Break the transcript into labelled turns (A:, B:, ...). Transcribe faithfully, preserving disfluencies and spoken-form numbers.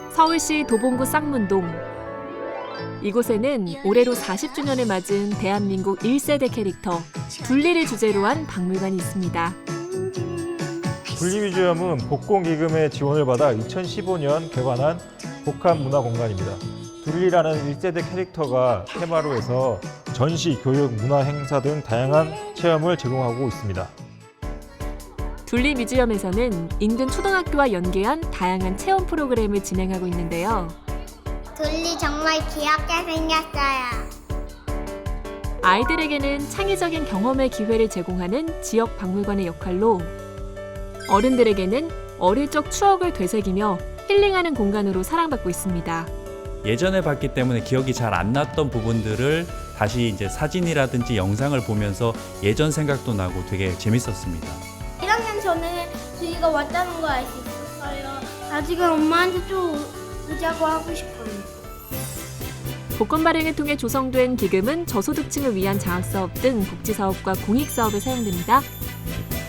A: 서울시 도봉구 쌍문동. 이곳에는 올해로 사십 주년을 맞은 대한민국 일 세대 캐릭터 둘리를 주제로 한 박물관이 있습니다.
B: 둘리뮤지엄은 복공기금의 지원을 받아 이천십오 년 개관한 복합문화공간입니다. 둘리라는 일 세대 캐릭터가 테마로 해서 전시, 교육, 문화 행사 등 다양한 체험을 제공하고 있습니다.
A: 둘리 뮤지엄에서는 인근 초등학교와 연계한 다양한 체험 프로그램을 진행하고 있는데요.
C: 둘리 정말 귀엽게 생겼어요.
A: 아이들에게는 창의적인 경험의 기회를 제공하는 지역 박물관의 역할로 어른들에게는 어릴 적 추억을 되새기며 힐링하는 공간으로 사랑받고 있습니다.
D: 예전에 봤기 때문에 기억이 잘 안 났던 부분들을 다시 이제 사진이라든지 영상을 보면서 예전 생각도 나고 되게 재밌었습니다.
E: 일 학년 전에 저희가 왔다는 거 알 수 있었어요. 아직은 엄마한테 좀 오자고 하고 싶어요.
A: 복권 발행을 통해 조성된 기금은 저소득층을 위한 장학사업 등 복지사업과 공익사업에 사용됩니다.